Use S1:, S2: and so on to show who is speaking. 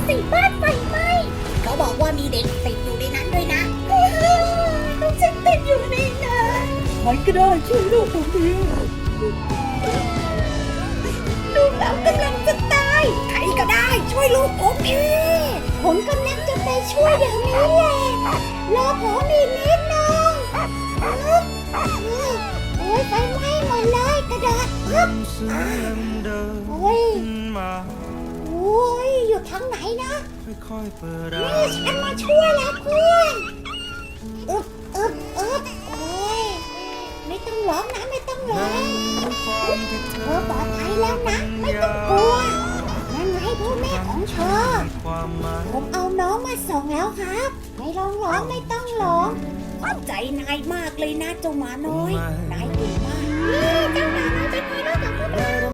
S1: สิบ้านไฟไหม้เขาบอกว่ามีเด็กติดอยู่ในนั้นด้วยนะลูกฉันติดอยู่ในนั้นใครก็ได้ช่วยลูกผมทีลูกเรากำลังจะตายใครก็ได้ช่วยลูกผมทีผมกำลังจะไปช่วยเดี๋ยวนี้แหละรอผมอีกนิดนึงโอ้ยไฟไหม้หมดเลยกระโดดโอ้ยอยู่ทางไหนนะนี่ฉันมาช่วยแล้วเพื่อนโอ้ยไม่ต้องร้องนะไม่ต้องร้องเธอปลอดภัยแล้วนะไม่ต้องกลัวนั่นไงพ่อแม่ของเธอผมเอาน้องมาส่งแล้วครับไม่ร้องไม่ต้องร้องขอบใจนายมากเลยนะเจ้าหมาน้อยนายเก่งมากเจ้าหมาน้อยเป็นไงบ้างกับพวกเรา